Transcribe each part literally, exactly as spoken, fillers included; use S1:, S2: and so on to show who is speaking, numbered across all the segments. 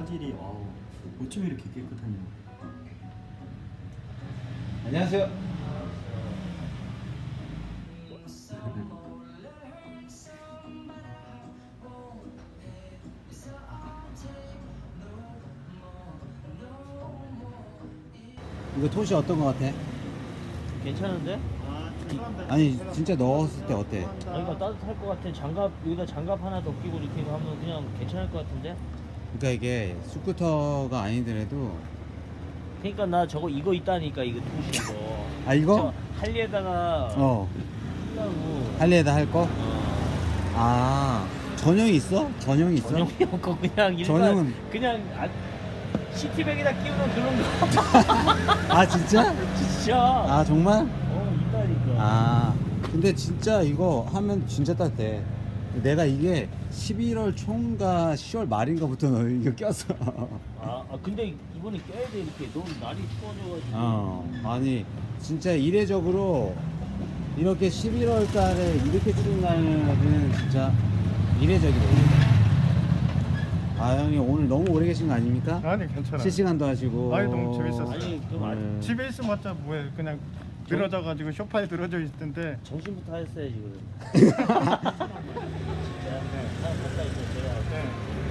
S1: 화질이 와우. 어쩜 이렇게 깨끗하냐.
S2: 안녕하세요. 이거 톳이 어떤 거 같아?
S3: 괜찮은데?
S2: 아니 진짜 넣었을 때 어때?
S3: 아 이거 따뜻할 것 같아. 장갑 여기다 장갑 하나 더 끼고 이렇게 하면 그냥 괜찮을 것 같은데?
S2: 그러니까 이게 스쿠터가 아니더라도
S3: 그러니까 나 저거 이거 있다니까 이거 도시 거.
S2: 아 이거?
S3: 저 할리에다가
S2: 어
S3: 하려고.
S2: 할리에다 할 거?
S3: 어.
S2: 아 전용이 있어? 전용이 있어?
S3: 전용이 없고 그냥 일반
S2: 전용은-
S3: 그냥 아, 시티백에다 끼우는 그런 거.
S2: 아 진짜?
S3: 진짜.
S2: 아 정말?
S3: 어 있다니까.
S2: 아 근데 진짜 이거 하면 진짜 따뜻해. 내가 이게 십일월 초인가 시월 말인가부터 너 이거 꼈어.
S3: 아, 아 근데 이번에 껴야 돼 이렇게 너무 날이 추워져가지고.
S2: 어 아니 진짜 이례적으로 이렇게 십일월 달에 이렇게 추운 날은 진짜 이례적이다. 아 형님 오늘 너무 오래 계신 거 아닙니까?
S4: 아니 괜찮아.
S2: 실시간도 하시고.
S4: 아니, 너무 재밌었어요.
S3: 아니 그럼 아,
S2: 네.
S4: 집에 있으면자 뭐해 그냥 늘어져가지고 소파에 늘어져 있을 텐데.
S3: 정신부터 했어야지 그럼. 진짜 하나 갖다 있어 제가.
S4: 네.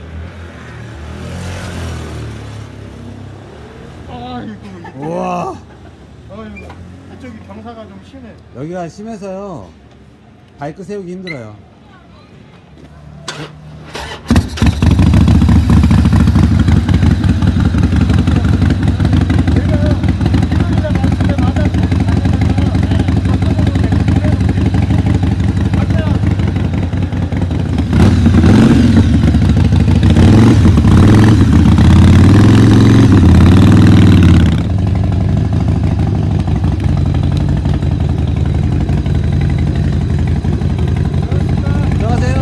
S4: 아이고.
S2: 우와
S4: 아이고. 이쪽이 경사가 좀 심해.
S2: 여기가 심해서요 바이크 세우기 힘들어요. 들어가세요.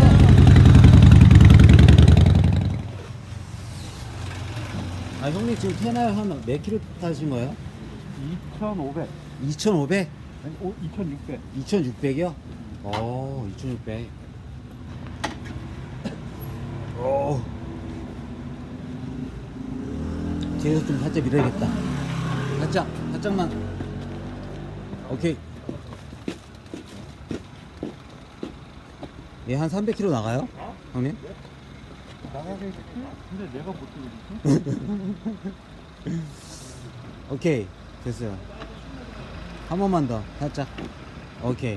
S2: 아 형님 지금 테나요 한 몇 킬로 타신 거예요?
S4: 이천오백.
S2: 이천오백?
S4: 아니, 오, 이천육백.
S2: 이천육백이요? 어, 이천육백. 오. 뒤에서 좀 살짝 밀어야겠다. 살짝, 살짝만. 오케이. 얘 한 삼백 킬로 나가요? 형님?
S4: 나가겠지? 근데 내가 못 들겠지?
S2: 오케이. 됐어요. 한 번만 더. 살짝. 오케이.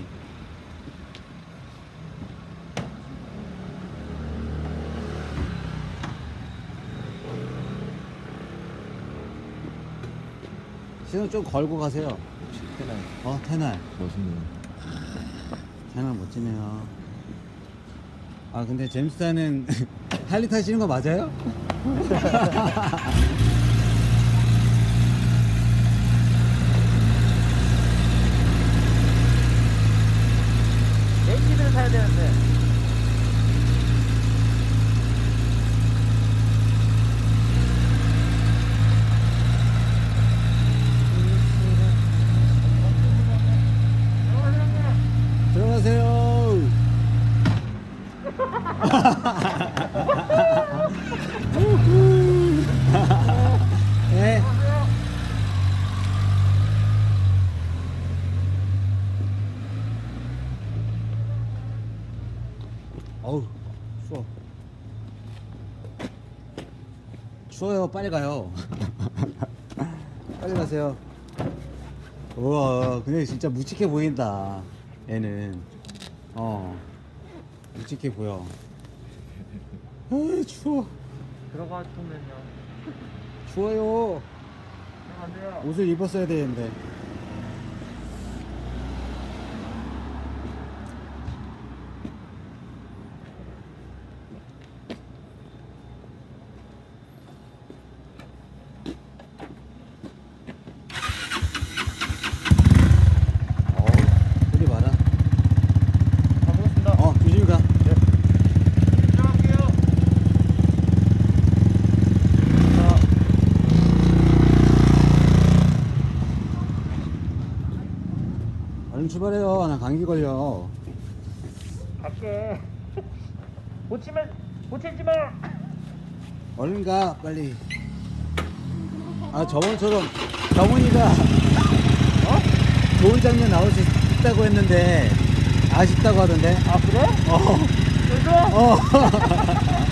S2: 시선 좀 걸고 가세요.
S5: 테날
S2: 어, 테날.
S5: 멋있네요.
S2: 테날 멋지네요. 아, 근데 제임스타는 할리 타시는 거 맞아요?
S3: 엔진을 사야 되는데.
S2: 들어가세요. 네. 어우, 추워. 추워요. 빨리 가요. 빨리 가세요. 우와, 근데 진짜 묵직해 보인다. 얘는. 어. 묵직해 보여. 아, 추워.
S3: 들어가 주면요.
S2: 추워요.
S3: 안 돼요.
S2: 옷을 입었어야 되는데. 어우, 소리 봐라.
S4: 가보겠습니다.
S2: 어, 조심히 가.
S4: 들어갈게요.
S2: 얼른 출발해요. 나 감기 걸려.
S3: 갈게. 고치면 고치지 마.
S2: 얼른 가 빨리. 아 저번처럼 정훈이가 어? 좋은 장면 나올 수 있다고 했는데 아쉽다고 하던데.
S3: 아 그래?
S2: 어.
S3: 그래?
S2: 어.